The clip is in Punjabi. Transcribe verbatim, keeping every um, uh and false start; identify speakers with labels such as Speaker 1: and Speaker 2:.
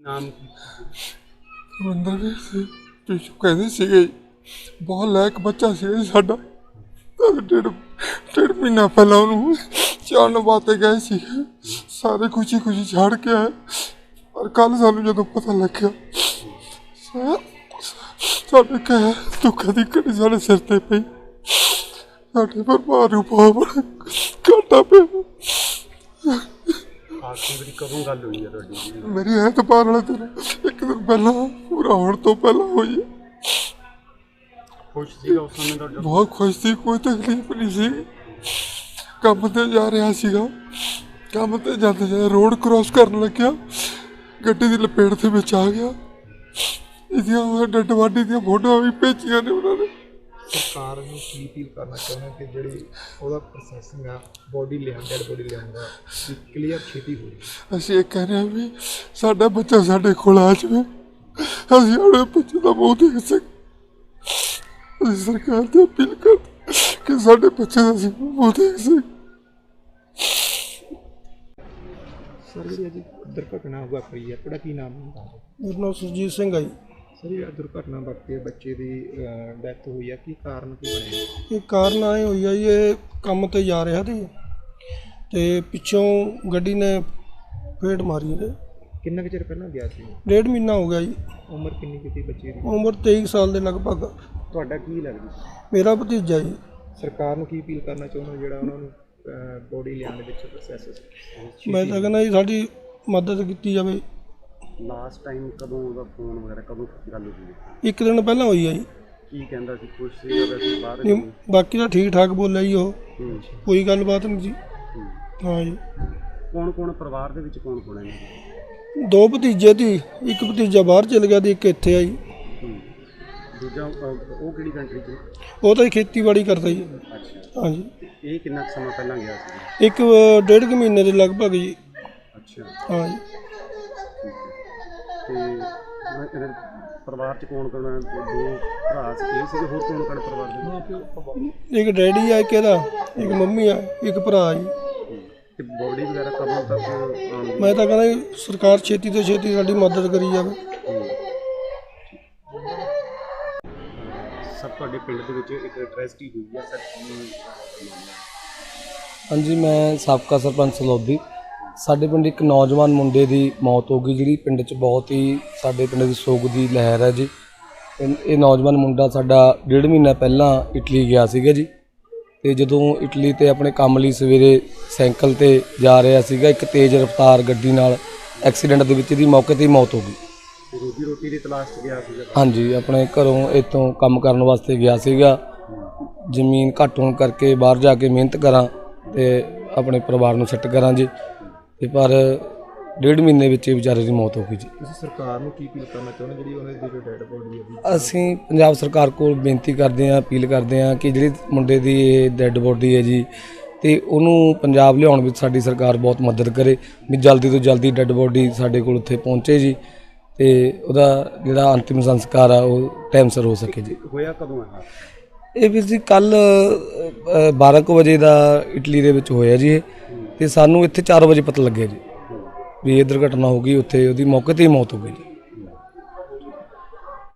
Speaker 1: ਨਾਮ
Speaker 2: ਰਵਿੰਦਰ ਸਿੰਘ ਪਿੱਛੋਂ ਕਹਿੰਦੇ ਸੀਗੇ ਬਹੁਤ ਲਾਇਕ ਬੱਚਾ ਸੀ ਸਾਡਾ। ਤਾਂ ਡੇਢ ਡੇਢ ਮਹੀਨਾ ਪਹਿਲਾਂ ਉਹਨੂੰ ਚਾਣ ਵਾਸਤੇ ਗਏ ਸੀ, ਸਾਰੇ ਖੁਸ਼ੀ ਖੁਸ਼ੀ ਛੱਡ ਕੇ ਆਏ। ਪਰ ਕੱਲ੍ਹ ਸਾਨੂੰ ਜਦੋਂ ਪਤਾ ਲੱਗਿਆ ਸਾਡੇ ਕਹਿ ਦੁੱਖਾਂ ਦੀ ਘੜੀ ਸਾਡੇ ਸਿਰ 'ਤੇ ਪਈ। ਸਾਡੇ ਪਰਿਵਾਰ ਨੂੰ ਬਹੁਤ ਘਾਟਾ ਪਿਆ।
Speaker 1: ਆਖਰੀ ਵਾਰੀ ਕਦੋਂ ਗੱਲ ਹੋਈ ਹੈ ਤੁਹਾਡੀ?
Speaker 2: ਮੇਰੀ ਐਤਵਾਰ ਵਾਲੇ ਦਿਨ ਇੱਕ ਦਿਨ ਪਹਿਲਾਂ, ਪੂਰਾ ਹੋਣ ਤੋਂ ਪਹਿਲਾਂ ਹੋਈ ਹੈ।
Speaker 1: ਖੁਸ਼ ਸੀਗਾ ਉਸ ਸਮੇਂ ਤੁਹਾਡਾ?
Speaker 2: ਬਹੁਤ ਖੁਸ਼ ਸੀ, ਕੋਈ ਤਕਲੀਫ ਨਹੀਂ ਸੀ। ਕੰਮ ਤੇ ਜਾ ਰਿਹਾ ਸੀਗਾ, ਕੰਮ ਤੇ ਜਾਂਦੇ ਜਾਂਦੇ ਰੋਡ ਕ੍ਰੋਸ ਕਰਨ ਲੱਗਿਆ, ਗੱਡੀ ਦੀ ਲਪੇਟ ਦੇ ਵਿੱਚ ਆ ਗਿਆ। ਇਹਦੀਆਂ ਡੱਡ ਵਾਢੀ ਦੀਆਂ ਫੋਟੋਆਂ ਵੀ ਭੇਜੀਆਂ ਨੇ ਉਹਨਾਂ ਨੇ।
Speaker 3: ਸਰਕਾਰ ਨੂੰ ਕੀ ਅਪੀਲ ਕਰਨਾ ਚਾਹੁੰਦੇ ਕਿ ਜਿਹੜੀ ਉਹਦਾ ਪ੍ਰੋਸੈਸਿੰਗ ਆ ਬੋਡੀ ਲਿਆਉਣ ਡੈਡ ਬੋਡੀ ਲਿਆਉਣ ਦਾ ਕਲੀਅਰ ਛੇਤੀ ਹੋਵੇ।
Speaker 2: ਅਸੀਂ ਇਹ ਕਹਿ ਰਹੇ ਹਾਂ ਵੀ ਸਾਡਾ ਬੱਚਾ ਸਾਡੇ ਕੋਲ ਆ ਜਾਵੇ, ਅਸੀਂ ਆਪਣੇ ਬੱਚੇ ਦਾ ਮੂੰਹ ਦੇਖ ਸਕ। ਅਸੀਂ ਸਰਕਾਰ ਤੇ ਅਪੀਲ ਕਰਦੇ ਕਿ ਸਾਡੇ ਬੱਚੇ ਦਾ ਅਸੀਂ ਮੂੰਹ ਦੇਖ ਸਕ।
Speaker 3: ਸਰ ਜਿਹੜੀ ਅੱਜ ਦੁਰਘਟਨਾ ਵਾਪਰੀ ਹੈ, ਤੁਹਾਡਾ ਕੀ ਨਾਮ ਹੈ?
Speaker 2: ਮੇਰਾ ਨਾਮ ਸੁਰਜੀਤ ਸਿੰਘ ਆ ਜੀ।
Speaker 3: ਸਰ ਇਹ ਦੁਰਘਟਨਾ ਵਾਪਰੀ ਬੱਚੇ ਦੀ ਡੈਥ ਹੋਈ ਹੈ, ਕੀ ਕਾਰਨ ਕੀ ਬਣਿਆ?
Speaker 2: ਇਹ ਕਾਰਨ ਆਏ ਹੋਈ ਆ ਜੀ, ਇਹ ਕੰਮ ਤੇ ਜਾ ਰਿਹਾ ਸੀ ਤੇ ਪਿੱਛੋਂ ਗੱਡੀ ਨੇ ਫੇਟ ਮਾਰੀ ਇਹਦੇ।
Speaker 3: ਕਿੰਨਾ ਕੁ ਚਿਰ ਪਹਿਲਾਂ ਗਿਆ ਸੀ?
Speaker 2: ਡੇਢ ਮਹੀਨਾ ਹੋ ਗਿਆ ਜੀ।
Speaker 3: ਉਮਰ ਕਿੰਨੀ ਕੀਤੀ ਬੱਚੇ ਦੀ?
Speaker 2: ਉਮਰ ਤੇਈ ਸਾਲ ਦੇ ਲਗਭਗ।
Speaker 3: ਤੁਹਾਡਾ ਕੀ ਲੱਗਦਾ?
Speaker 2: ਮੇਰਾ ਭਤੀਜਾ ਜੀ।
Speaker 3: ਸਰਕਾਰ ਨੂੰ ਕੀ ਅਪੀਲ ਕਰਨਾ ਚਾਹੁੰਦੇ ਜਿਹੜਾ ਉਹਨਾਂ ਨੂੰ ਬੋਡੀ ਲਿਆਉਣ ਦੇ ਵਿੱਚ ਪ੍ਰੋਸੈਸ?
Speaker 2: ਮੈਂ ਤਾਂ ਕਹਿੰਦਾ ਜੀ ਸਾਡੀ ਮਦਦ ਕੀਤੀ ਜਾਵੇ।
Speaker 1: ਲਾਸਟ ਟਾਈਮ ਕਦੋਂ ਉਹਦਾ ਫੋਨ ਵਗੈਰਾ ਕਦੋਂ ਗੱਲ ਹੋਈ?
Speaker 2: ਇੱਕ ਦਿਨ ਪਹਿਲਾਂ ਹੋਈ ਆ ਜੀ।
Speaker 1: ਕੀ ਕਹਿੰਦਾ ਸੀ? ਖੁਸ਼ ਸੀਗਾ ਵੈਸੇ ਬਾਹਰ?
Speaker 2: ਨਹੀਂ, ਬਾਕੀ ਤਾਂ ਠੀਕ ਠਾਕ ਬੋਲਿਆ ਜੀ ਉਹ, ਕੋਈ ਗੱਲਬਾਤ ਨਹੀਂ ਜੀ। ਹਾਂ ਜੀ।
Speaker 1: ਕੌਣ ਕੌਣ ਪਰਿਵਾਰ ਦੇ ਵਿੱਚ ਕੌਣ ਕੌਣ ਹੈ?
Speaker 2: ਦੋ ਭਤੀਜੇ ਸੀ, ਇੱਕ ਭਤੀਜਾ ਬਾਹਰ ਚਲ ਗਿਆ ਤੇ ਇੱਕ ਇੱਥੇ ਆ ਜੀ।
Speaker 1: ਦੂਜਾ ਉਹ ਕਿਹੜੀ ਕੰਟਰੀ 'ਚ?
Speaker 2: ਉਹ ਤਾਂ ਖੇਤੀਬਾੜੀ ਕਰਦਾ ਜੀ।
Speaker 1: ਅੱਛਾ।
Speaker 2: ਹਾਂ ਜੀ।
Speaker 1: ਇਹ ਕਿੰਨਾ ਕੁ ਸਮਾਂ ਪਹਿਲਾਂ ਗਿਆ ਸੀ?
Speaker 2: ਇੱਕ ਡੇਢ ਕੁ ਮਹੀਨੇ ਦੇ ਲਗਭਗ ਜੀ।
Speaker 1: ਅੱਛਾ।
Speaker 2: ਹਾਂ ਜੀ।
Speaker 1: ਤੇ ਇਹਦੇ ਪਰਿਵਾਰ 'ਚ ਕੌਣ ਕੌਣ? ਦੋ ਭਰਾ ਸੀ, ਇਹ ਸੀਗੇ, ਹੋਰ ਕੌਣ ਕੌਣ ਪਰਿਵਾਰ ਦੇ?
Speaker 2: ਇੱਕ ਡੈਡੀ ਆ, ਇੱਕ ਇਹਦਾ, ਇੱਕ ਮੰਮੀ ਆ, ਇੱਕ ਭਰਾ ਜੀ।
Speaker 1: ਤੇ ਬੋਡੀ ਵਗੈਰਾ ਕਦੋਂ ਤੱਕ ਆਉਣਗੀ?
Speaker 2: ਮੈਂ ਤਾਂ ਕਹਿੰਦਾ ਜੀ ਸਰਕਾਰ ਛੇਤੀ ਤੋਂ ਛੇਤੀ ਸਾਡੀ ਮਦਦ ਕਰੀ ਜਾਵੇ।
Speaker 1: ਸਰ ਤੁਹਾਡੇ ਪਿੰਡ ਦੇ ਵਿੱਚ ਇੱਕ ਟ੍ਰੈਜਡੀ ਹੋਈ ਹੈ ਸਰ?
Speaker 4: ਹਾਂਜੀ, ਮੈਂ ਸਾਬਕਾ ਸਰਪੰਚ ਸਲੌਦੀ। ਸਾਡੇ ਪਿੰਡ ਇੱਕ ਨੌਜਵਾਨ ਮੁੰਡੇ ਦੀ ਮੌਤ ਹੋ ਗਈ, ਜਿਹੜੀ ਪਿੰਡ 'ਚ ਬਹੁਤ ਹੀ ਸਾਡੇ ਪਿੰਡ ਦੀ ਸੋਗ ਦੀ ਲਹਿਰ ਹੈ ਜੀ। ਇਹ ਨੌਜਵਾਨ ਮੁੰਡਾ ਸਾਡਾ ਡੇਢ ਮਹੀਨਾ ਪਹਿਲਾਂ ਇਟਲੀ ਗਿਆ ਸੀਗਾ ਜੀ। ਤੇ ਜਦੋਂ ਇਟਲੀ ਤੇ ਆਪਣੇ ਕੰਮ ਲਈ ਸਵੇਰੇ ਸਾਈਕਲ ਤੇ ਜਾ ਰਿਹਾ ਸੀਗਾ, ਇੱਕ ਤੇਜ਼ ਰਫ਼ਤਾਰ ਗੱਡੀ ਨਾਲ ਐਕਸੀਡੈਂਟ ਦੇ ਵਿੱਚ ਇਹਦੀ ਮੌਕੇ 'ਤੇ ਹੀ ਮੌਤ ਹੋ ਗਈ।
Speaker 1: ਰੋਜੀ ਰੋਟੀ ਦੀ ਤਲਾਸ਼ 'ਚ ਗਿਆ ਸੀਗਾ?
Speaker 4: ਹਾਂਜੀ, ਆਪਣੇ ਘਰੋਂ ਇੱਥੋਂ ਕੰਮ ਕਰਨ ਵਾਸਤੇ ਗਿਆ ਸੀਗਾ। ਜ਼ਮੀਨ ਘੱਟ ਹੋਣ ਕਰਕੇ ਬਾਹਰ ਜਾ ਕੇ ਮਿਹਨਤ ਕਰਾਂ ਤੇ ਆਪਣੇ ਪਰਿਵਾਰ ਨੂੰ ਸੈੱਟ ਕਰਾਂ ਜੀ। ਤੇ ਪਰ ਡੇਢ ਮਹੀਨੇ ਵਿੱਚ ਇਹ ਵਿਚਾਰੇ ਦੀ ਮੌਤ ਹੋ ਗਈ ਜੀ।
Speaker 3: ਤੁਸੀਂ ਸਰਕਾਰ ਨੂੰ ਕੀ ਅਪੀਲ ਕਰਨਾ ਚਾਹੁੰਦੇ ਜਿਹੜੀ ਉਹਨਾਂ ਦੀ ਜੋ ਡੈਡ ਬੋਡੀ ਹੈ?
Speaker 4: ਅਸੀਂ ਪੰਜਾਬ ਸਰਕਾਰ ਕੋਲ ਬੇਨਤੀ ਕਰਦੇ ਹਾਂ, ਅਪੀਲ ਕਰਦੇ ਹਾਂ ਕਿ ਜਿਹੜੀ ਮੁੰਡੇ ਦੀ ਇਹ ਡੈਡ ਬੋਡੀ ਹੈ ਜੀ, ਤੇ ਉਹਨੂੰ ਪੰਜਾਬ ਲਿਆਉਣ ਵਿੱਚ ਸਾਡੀ ਸਰਕਾਰ ਬਹੁਤ ਮਦਦ ਕਰੇ ਵੀ ਜਲਦੀ ਤੋਂ ਜਲਦੀ ਡੈਡ ਬੋਡੀ ਸਾਡੇ ਕੋਲ ਉੱਥੇ ਪਹੁੰਚੇ ਜੀ, ਤੇ ਉਹਦਾ ਜਿਹੜਾ ਅੰਤਿਮ ਸੰਸਕਾਰ ਆ ਉਹ ਟਾਈਮ ਸਿਰ ਹੋ ਸਕੇ ਜੀ।
Speaker 1: ਹੋਇਆ ਕਦੋਂ ਹੈ
Speaker 4: ਇਹ ਵੀਰ ਜੀ? ਕੱਲ੍ਹ ਬਾਰਾਂ ਕੁ ਵਜੇ ਦਾ ਇਟਲੀ ਦੇ ਵਿੱਚ ਹੋਇਆ ਜੀ ਇਹ, ਤੇ ਸਾਨੂੰ ਇੱਥੇ ਚਾਰ ਵਜੇ ਪਤਾ ਲੱਗਿਆ ਜੀ ਵੀ ਇਹ ਦੁਰਘਟਨਾ ਹੋ ਗਈ। ਉੱਥੇ ਉਹਦੀ ਮੌਕੇ 'ਤੇ ਹੀ ਮੌਤ ਹੋ ਗਈ ਜੀ।